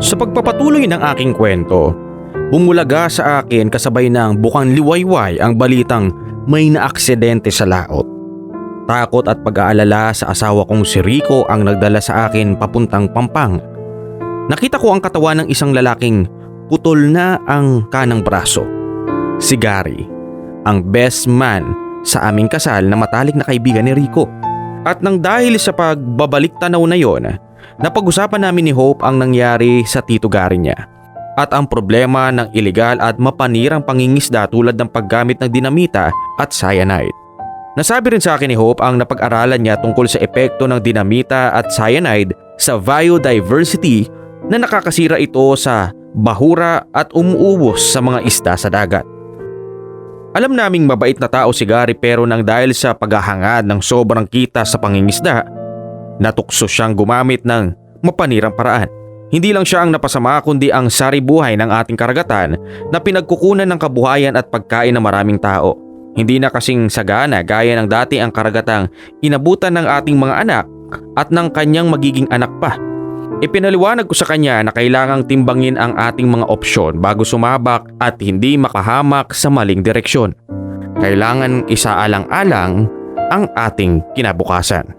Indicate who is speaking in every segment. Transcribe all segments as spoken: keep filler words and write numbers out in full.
Speaker 1: Sa pagpapatuloy ng aking kwento, bumulaga sa akin kasabay ng bukang liwayway ang balitang may naaksidente sa laot. Takot at pag-aalala sa asawa kong si Rico ang nagdala sa akin papuntang Pampanga. Nakita ko ang katawan ng isang lalaking putol na ang kanang braso. Si Gary, ang best man sa aming kasal na matalik na kaibigan ni Rico. At nang dahil sa pagbabalik tanaw na yon, napag-usapan namin ni Hope ang nangyari sa tito Gary niya at ang problema ng ilegal at mapanirang pangingisda tulad ng paggamit ng dinamita at cyanide. Nasabi rin sa akin ni Hope ang napag-aralan niya tungkol sa epekto ng dinamita at cyanide sa biodiversity na nakakasira ito sa bahura at umuubos sa mga isda sa dagat. Alam naming mabait na tao si Gary pero nang dahil sa paghahangad ng sobrang kita sa pangingisda, natukso siyang gumamit ng mapanirang paraan. Hindi lang siya ang napasama kundi ang saribuhay ng ating karagatan na pinagkukunan ng kabuhayan at pagkain ng maraming tao. Hindi na kasing sagana gaya ng dati ang karagatang inabutan ng ating mga anak at ng kanyang magiging anak pa. Ipinaliwanag ko sa kanya na kailangang timbangin ang ating mga opsyon bago sumabak at hindi makahamak sa maling direksyon. Kailangan isaalang-alang ang ating kinabukasan.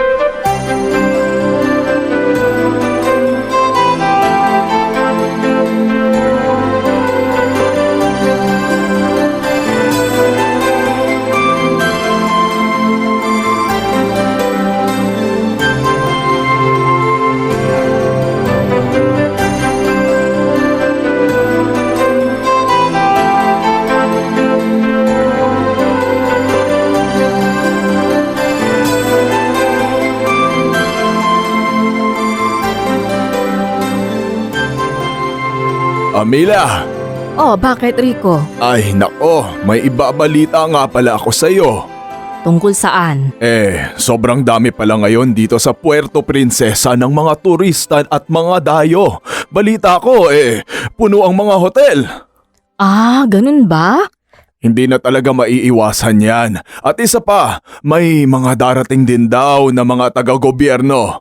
Speaker 2: Amila!
Speaker 3: Oh, bakit Rico?
Speaker 2: Ay nako, may ibabalita nga pala ako sa'yo.
Speaker 3: Tungkol saan?
Speaker 2: Eh, sobrang dami pala ngayon dito sa Puerto Princesa ng mga turista at mga dayo. Balita ko eh, puno ang mga hotel.
Speaker 3: Ah, ganun ba?
Speaker 2: Hindi na talaga maiiwasan yan. At isa pa, may mga darating din daw na mga taga-gobyerno.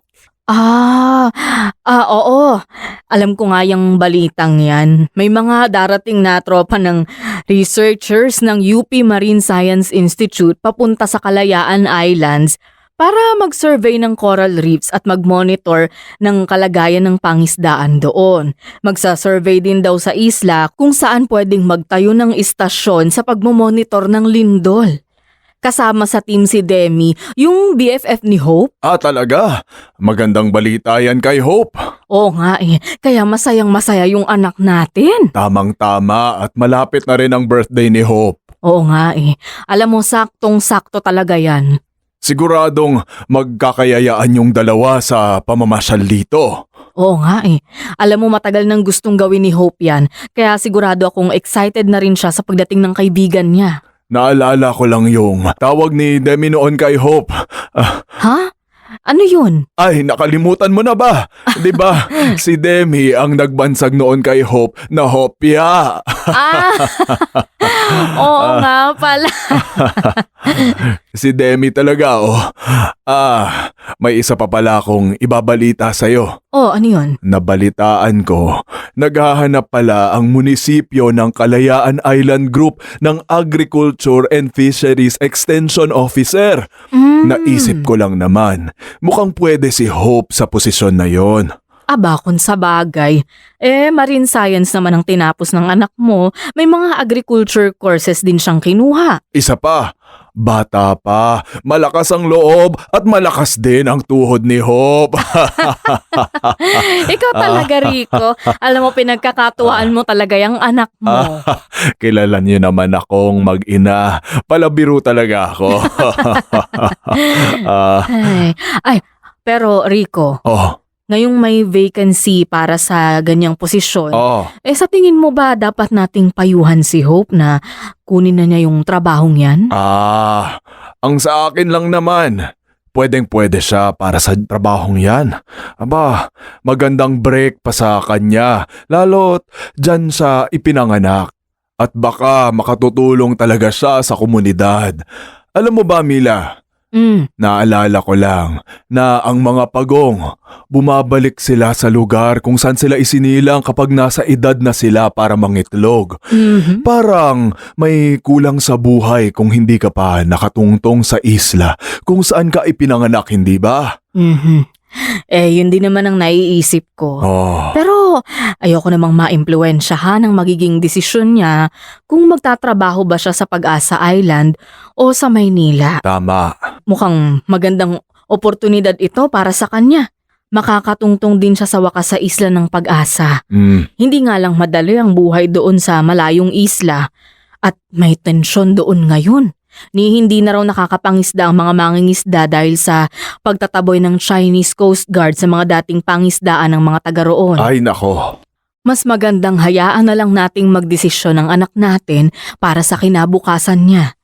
Speaker 3: Ah, ah, oo. Alam ko nga yung balitang yan. May mga darating na tropa ng researchers ng U P Marine Science Institute papunta sa Kalayaan Islands para mag-survey ng coral reefs at mag-monitor ng kalagayan ng pangisdaan doon. Magsa-survey din daw sa isla kung saan pwedeng magtayo ng istasyon sa pagmomonitor ng lindol. Kasama sa team si Demi, yung B F F ni Hope.
Speaker 2: Ah talaga? Magandang balita yan kay Hope.
Speaker 3: Oo nga eh, kaya masayang masaya yung anak natin.
Speaker 2: Tamang-tama at malapit na rin ang birthday ni Hope.
Speaker 3: Oo nga eh, alam mo saktong-sakto talaga yan.
Speaker 2: Siguradong magkakayayaan yung dalawa sa pamamasyal dito.
Speaker 3: Oo nga eh, alam mo matagal nang gustong gawin ni Hope yan, kaya sigurado akong excited na rin siya sa pagdating ng kaibigan niya.
Speaker 2: Naalala ko lang yung tawag ni Demi noon kay Hope. Ah,
Speaker 3: Ha? Ano yun?
Speaker 2: ay, nakalimutan mo na ba? 'Di ba? Si Demi ang nagbansag noon kay Hope na Hopya.
Speaker 3: Ah! Oo nga pala.
Speaker 2: Si Demi talaga oh. Ah, may isa pa pala akong ibabalita sa'yo.
Speaker 3: Oh, ano yun?
Speaker 2: Nabalitaan ko, naghahanap pala ang munisipyo ng Kalayaan Island Group ng Agriculture and Fisheries Extension Officer.
Speaker 3: Mm.
Speaker 2: Naisip ko lang naman, mukhang pwede si Hope sa posisyon na yon.
Speaker 3: Aba, kung sa bagay. Eh, marine science naman ang tinapos ng anak mo. May mga agriculture courses din siyang kinuha.
Speaker 2: Isa pa, bata pa, malakas ang loob at malakas din ang tuhod ni Hope.
Speaker 3: Ikaw talaga, Rico. Alam mo, pinagkakatuwaan mo talaga yung anak mo.
Speaker 2: Kilala niyo naman akong mag-ina. Palabiro talaga ako. Ah,
Speaker 3: Ay, ay, pero Rico,
Speaker 2: oh,
Speaker 3: ngayong may vacancy para sa ganyang posisyon,
Speaker 2: oh.
Speaker 3: eh sa tingin mo ba dapat nating payuhan si Hope na kunin na niya yung trabahong yan?
Speaker 2: Ah, ang sa akin lang naman, pwedeng pwede siya para sa trabahong yan. Aba, magandang break pa sa kanya, lalo't dyan sa ipinanganak. At baka makatutulong talaga siya sa komunidad. Alam mo ba, Mila,
Speaker 3: Mm.
Speaker 2: Naalala ko lang na ang mga pagong bumabalik sila sa lugar kung saan sila isinilang kapag nasa edad na sila para mangitlog.
Speaker 3: Mhm.
Speaker 2: Parang may kulang sa buhay kung hindi ka pa nakatungtong sa isla kung saan ka ipinanganak, hindi ba?
Speaker 3: Mhm. Eh, yun din naman ang naiisip ko.
Speaker 2: Oh,
Speaker 3: Pero ayoko namang maimpluwensyahan ang magiging desisyon niya kung magtatrabaho ba siya sa Pag-asa Island o sa Maynila.
Speaker 2: tama.
Speaker 3: Mukhang magandang oportunidad ito para sa kanya. Makakatungtong din siya sa wakas sa isla ng Pag-asa.
Speaker 2: Mm,
Speaker 3: Hindi nga lang madali ang buhay doon sa malayong isla at may tensyon doon ngayon. Ni hindi na raw nakakapangisda ang mga mangingisda dahil sa pagtataboy ng Chinese Coast Guard sa mga dating pangisdaan ng mga taga roon.
Speaker 2: ay nako.
Speaker 3: Mas magandang hayaan na lang nating magdesisyon ng anak natin para sa kinabukasan niya.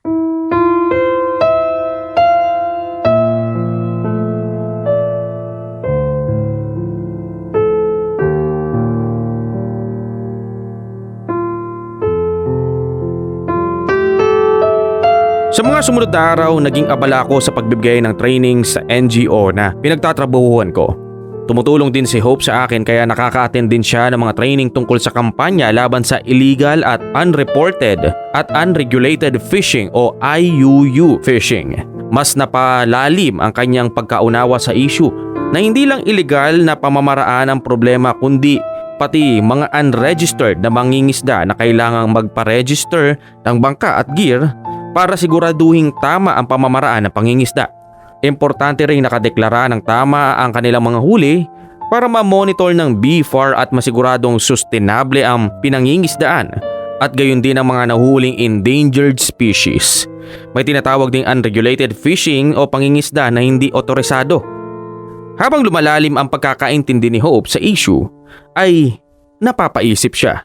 Speaker 1: Sa mga sumunod na araw, naging abala ako sa pagbibigay ng training sa N G O na pinagtatrabahuhan ko. Tumutulong din si Hope sa akin kaya nakaka-attend din siya ng mga training tungkol sa kampanya laban sa illegal at unreported at unregulated fishing o I U U fishing. Mas napalalim ang kanyang pagkaunawa sa issue na hindi lang illegal na pamamaraan ang problema kundi pati mga unregistered na mangingisda na kailangang magpa-register ng bangka at gear para siguraduhing tama ang pamamaraan ng pangingisda. Importante rin nakadeklara ng tama ang kanilang mga huli para ma-monitor ng B F A R at masiguradong sustainable ang pinangingisdaan at gayon din ang mga nahuling endangered species. May tinatawag ding unregulated fishing o pangingisda na hindi otorisado. Habang lumalalim ang pagkakaintindi ni Hope sa issue, ay napapaisip siya.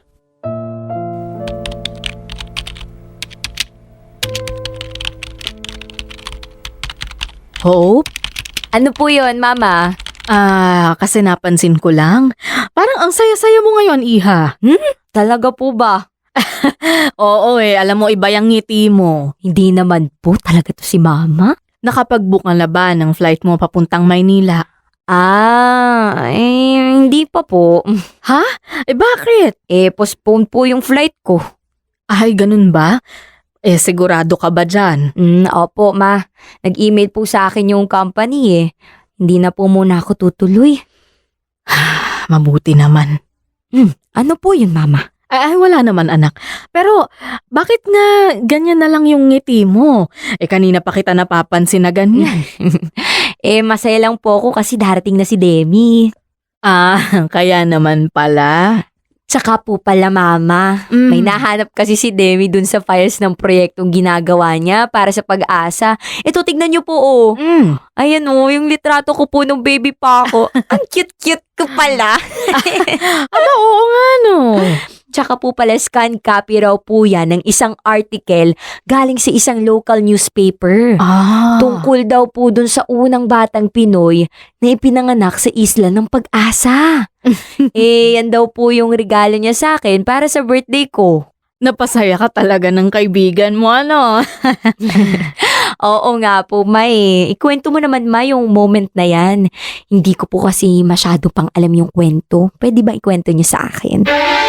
Speaker 3: Hope?
Speaker 4: Ano po yon, Mama?
Speaker 3: Ah, kasi napansin ko lang. Parang ang saya-saya mo ngayon, Iha. Hmm?
Speaker 4: Talaga po ba?
Speaker 3: Oo eh, alam mo iba yung ngiti mo.
Speaker 4: Hindi naman po talaga to si Mama.
Speaker 3: Nakapag-book ka na ba ng flight mo papuntang Maynila?
Speaker 4: Ah, eh, hindi pa po.
Speaker 3: Eh bakit?
Speaker 4: Eh, postpone po yung flight ko.
Speaker 3: Ay, ganun ba? Eh, sigurado ka ba dyan?
Speaker 4: Mm, opo, Ma. Nag-email po sa akin yung company eh. Hindi na po muna ako tutuloy.
Speaker 3: Mabuti naman.
Speaker 4: Ano po yun, Mama?
Speaker 3: Ay, ay, wala naman anak. Pero, bakit nga ganyan na lang yung ngiti mo? Eh, kanina pa kita napapansin na ganyan.
Speaker 4: Eh, masaya lang po ako kasi darating na si Demi.
Speaker 3: Ah, kaya naman pala.
Speaker 4: Tsaka po pala, Mama.
Speaker 3: Mm.
Speaker 4: May nahanap kasi si Demi dun sa files ng proyektong ginagawa niya para sa Pag-asa. Ito, tignan niyo po, oh.
Speaker 3: Mm.
Speaker 4: Ayan, oh, yung litrato ko po nung baby pa ako. Ang cute-cute ko pala.
Speaker 3: Aba, oo nga no.
Speaker 4: Tsaka po pala scan copy raw po yan ng isang article galing sa isang local newspaper.
Speaker 3: Ah.
Speaker 4: Tungkol daw po dun sa unang batang Pinoy na ipinanganak sa isla ng Pag-asa. Eh, yan daw po yung regalo niya sa akin para sa birthday ko.
Speaker 3: Napasaya ka talaga ng kaibigan mo, ano?
Speaker 4: Oo nga po, Ma eh. Ikwento mo naman, Ma, yung moment na yan. Hindi ko po kasi masyado pang alam yung kwento. Pwede ba ikwento niyo sa akin?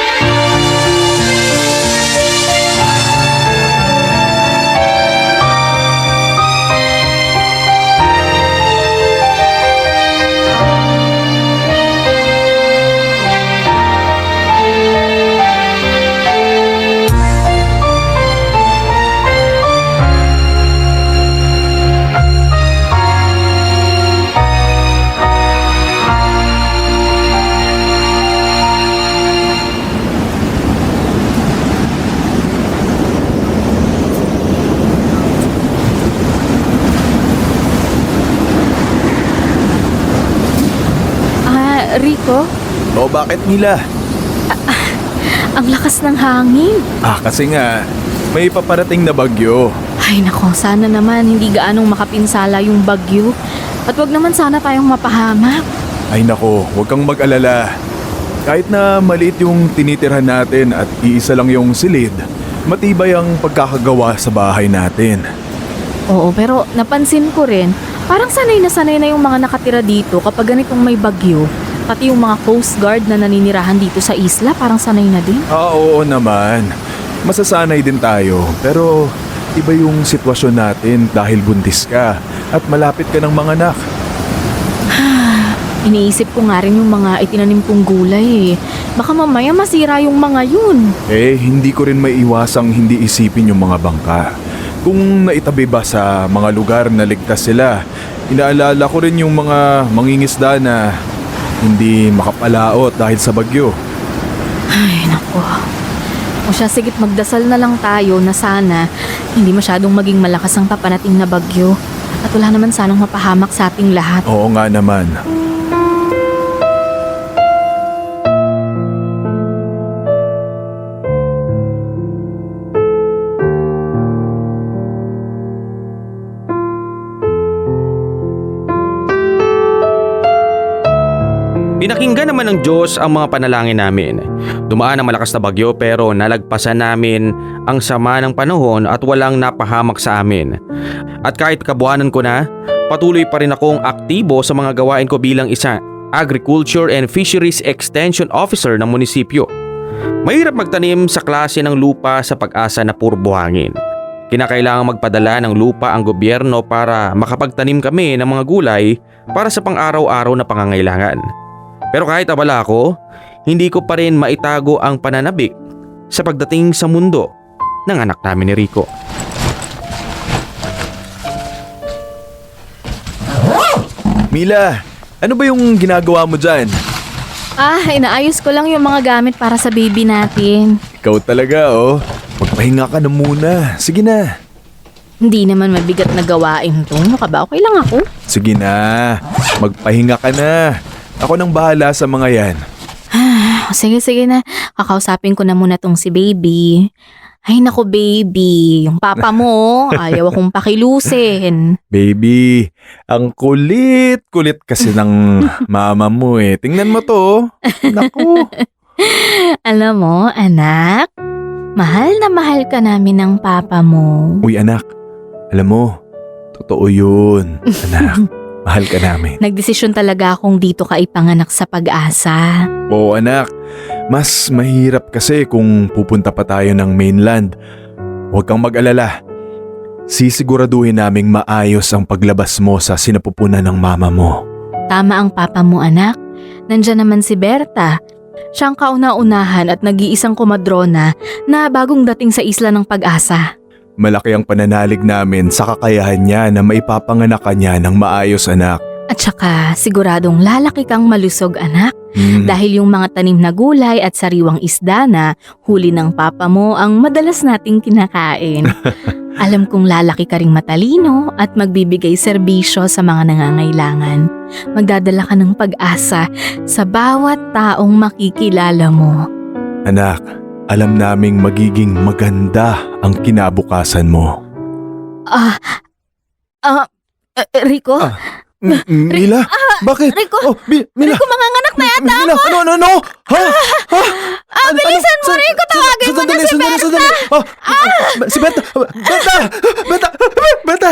Speaker 3: Ah, Rico,
Speaker 2: O bakit nila?
Speaker 3: ang lakas ng hangin.
Speaker 2: Ah, kasi nga, may paparating na bagyo.
Speaker 3: Ay nako, sana naman hindi gaanong makapinsala yung bagyo. At wag naman sana tayong mapahamak.
Speaker 2: Ay nako, huwag kang mag-alala. Kahit na maliit yung tinitirhan natin at iisa lang yung silid, matibay ang pagkakagawa sa bahay natin.
Speaker 3: Oo, pero napansin ko rin, parang sanay na sanay na yung mga nakatira dito kapag ganitong may bagyo. Pati yung mga Coast Guard na naninirahan dito sa isla, parang sanay na din.
Speaker 2: Ah, oo naman. Masasanay din tayo. Pero iba yung sitwasyon natin dahil buntis ka at malapit ka ng mga anak.
Speaker 3: Iniisip ko nga rin yung mga itinanim kong gulay eh. Baka mamaya masira yung mga yun.
Speaker 2: Eh, hindi ko rin maiiwasang hindi isipin yung mga bangka. Kung naitabi ba sa mga lugar na ligtas sila, inaalala ko rin yung mga mangingisda na hindi makapalaot dahil sa bagyo.
Speaker 3: Ay, naku. O siya, sigit magdasal na lang tayo na sana hindi masyadong maging malakas ang papanating na bagyo. At wala naman sanang mapahamak sa ating lahat.
Speaker 2: Oo nga naman.
Speaker 1: Pinakinggan naman ng Diyos ang mga panalangin namin. Dumaan ang malakas na bagyo pero nalagpasan namin ang sama ng panahon at walang napahamak sa amin. At kahit kabuhanan ko na, patuloy pa rin akong aktibo sa mga gawain ko bilang isang Agriculture and Fisheries Extension Officer ng munisipyo. Mahirap magtanim sa klase ng lupa sa Pag-asa na puro buhangin. Kinakailangan magpadala ng lupa ang gobyerno para makapagtanim kami ng mga gulay para sa pang-araw-araw na pangangailangan. Pero kahit abala ako, hindi ko pa rin maitago ang pananabik sa pagdating sa mundo ng anak namin ni Rico.
Speaker 2: Mila, ano ba yung ginagawa mo dyan?
Speaker 3: Ah, inaayos ko lang yung mga gamit para sa baby natin.
Speaker 2: Ikaw talaga, oh. Magpahinga ka na muna. Sige na.
Speaker 3: Hindi naman mabigat na gawain to. Ano ka ba? Okay lang ako.
Speaker 2: Sige na. Magpahinga ka na. Ako nang bahala sa mga yan.
Speaker 3: Ah, sige, sige na. Kakausapin ko na muna tong si baby. Ay nako baby, yung papa mo, ayaw akong pakilusin.
Speaker 2: Baby, ang kulit-kulit kasi ng mama mo eh. Tingnan mo to. Naku.
Speaker 3: Alam mo, anak, mahal na mahal ka namin ng papa mo.
Speaker 2: Uy anak, alam mo, totoo yun. Anak, mahal ka namin.
Speaker 3: Nagdesisyon talaga akong dito ka ipanganak sa Pag-asa.
Speaker 2: Oo anak, mas mahirap kasi kung pupunta pa tayo ng mainland. Huwag kang mag-alala. Sisiguraduhin naming maayos ang paglabas mo sa sinapupunan ng mama mo.
Speaker 3: Tama ang papa mo, anak. Nandyan naman si Berta. Siyang kauna-unahan at nag-iisang komadrona na bagong dating sa isla ng Pag-asa.
Speaker 2: Malaki ang pananalig namin sa kakayahan niya na maipapanganak ka niya ng maayos anak.
Speaker 3: At saka siguradong lalaki kang malusog, anak.
Speaker 2: Hmm.
Speaker 3: Dahil yung mga tanim na gulay at sariwang isda na huli ng papa mo ang madalas nating kinakain. Alam kong lalaki ka ring matalino at magbibigay serbisyo sa mga nangangailangan. Magdadala ka ng pag-asa sa bawat taong makikilala mo.
Speaker 2: Anak, alam naming magiging maganda ang kinabukasan mo.
Speaker 3: Ah, ah, eh, Rico?
Speaker 2: Ah, M- Mila? Bakit?
Speaker 3: Rico?
Speaker 2: Oh, Mi- Mila!
Speaker 3: Rico, manganganak na yata
Speaker 2: Mila,
Speaker 3: ako!
Speaker 2: ano, ano, ano? Ha? Ha?
Speaker 3: Ah, bilisan mo,
Speaker 2: Sa-
Speaker 3: Rico!
Speaker 2: sa-
Speaker 3: Tawagin mo na
Speaker 2: sandali,
Speaker 3: si
Speaker 2: sandali,
Speaker 3: Berta!
Speaker 2: sandali. Oh, si Berta! Berta! Berta! Berta!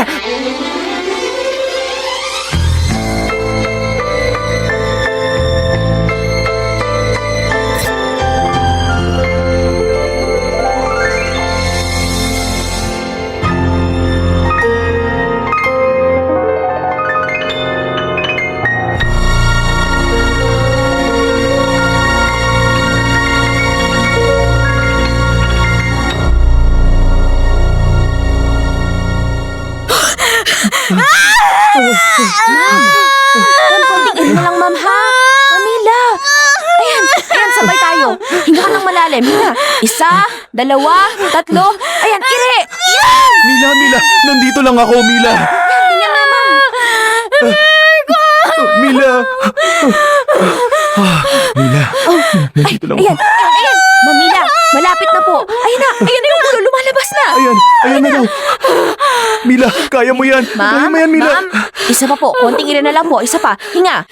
Speaker 4: Ma'am, konting mo lang, ma'am, ha? Mamila. Ayan, ayan, sabay tayo. Hinga ka ng malalim. Hinga. Isa, dalawa, tatlo. Ayan, ire. Yan!
Speaker 2: Mila, Mila! Nandito lang ako, Mila!
Speaker 4: Ganyan na, ma'am.
Speaker 2: Mila! Ah, Mila, nandito lang ako.
Speaker 4: Ayan, ayan, ayan. Mamila, malapit na po. Ayan na, ayan na yung ulo, lumalabas na.
Speaker 2: Ayan, ayan na daw. Mila, kaya mo yan. Kaya
Speaker 4: Ma'am,
Speaker 2: mo yan, Mila.
Speaker 4: ma'am, isa pa po, konting ire na lang po, isa pa, hinga.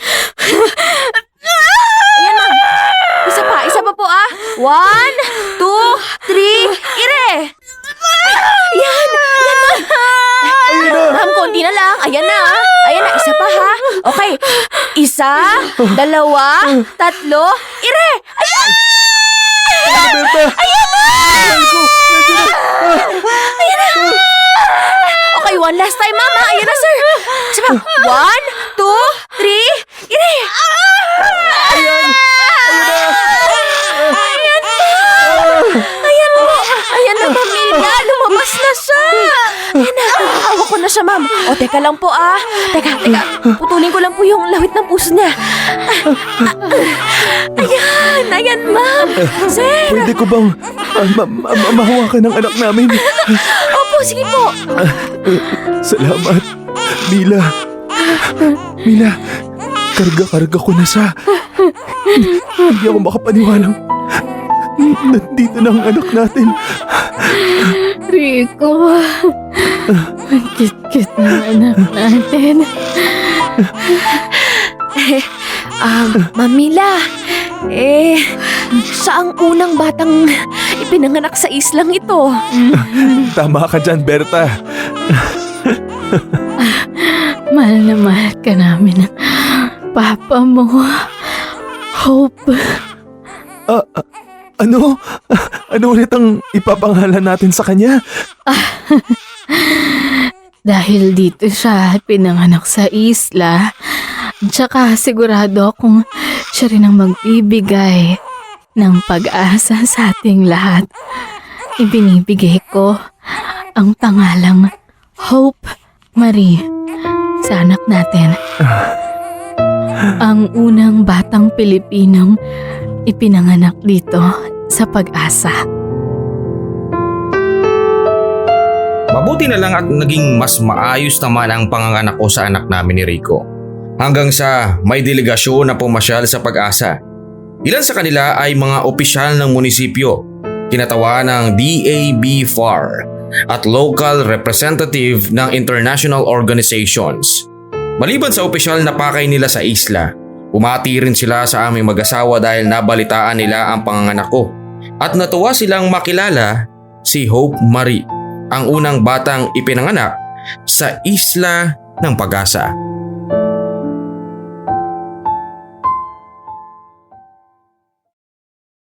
Speaker 4: Ayan, ma'am. Isa pa, isa pa po ah. One, two, three, ire. Yan, yan, ma'am.
Speaker 2: Ayun na.
Speaker 4: Isa, dalawa, tatlo, ire! Ayan!
Speaker 2: Berta! Ayan na!
Speaker 4: Ayan na! Okay, one last time, Mama. Ayan na, sir. Sabi, one, two, three, ire!
Speaker 2: Ayan! Ayan na!
Speaker 4: Ayan na! Ayan na! Ayan na, Mamila. Lumabas na siya. Ayan na. Hawak ko na siya, Ma'am. O, teka lang po, ah. Teka, teka. Putulin ko lang po yung lawit ng puso niya. Ayan! Ayan, Ma'am. Sir!
Speaker 2: Pwede ko bang ah, ma- ma- ma- mahawakan ng anak namin?
Speaker 4: Opo, sige po.
Speaker 2: Salamat, Mila. Mila, karga-karga ko na siya. Hindi ako makapaniwalang nandito na ang anak natin.
Speaker 3: Rico, ang kit-kit ng anak natin.
Speaker 4: Um, Mamila, eh, siya ang unang batang ipinanganak sa islang ito.
Speaker 2: Tama ka dyan, Berta.
Speaker 3: Mahal na mahal ka namin ng papa mo. Hope.
Speaker 2: Ah, ah, ano? Ano ulit ang ipapangalan natin sa kanya?
Speaker 3: Dahil dito siya pinanganak sa isla, tsaka sigurado akong siya rin ang magbibigay ng pag-asa sa ating lahat. Ibinibigay ko ang pangalang Hope Marie sa anak natin. Ang unang batang Pilipinong ipinanganak dito sa Pag-asa.
Speaker 1: Mabuti na lang at naging mas maayos naman ang panganganak ko sa anak namin ni Rico. Hanggang sa may delegasyon na pumasyal sa Pag-asa. Ilan sa kanila ay mga opisyal ng munisipyo, kinatawan ng D A B F A R at local representative ng international organizations. Maliban sa opisyal na pakay nila sa isla, umati rin sila sa aming mag-asawa dahil nabalitaan nila ang panganganak ko at natuwa silang makilala si Hope Marie, ang unang batang ipinanganak sa Isla ng Pag-asa.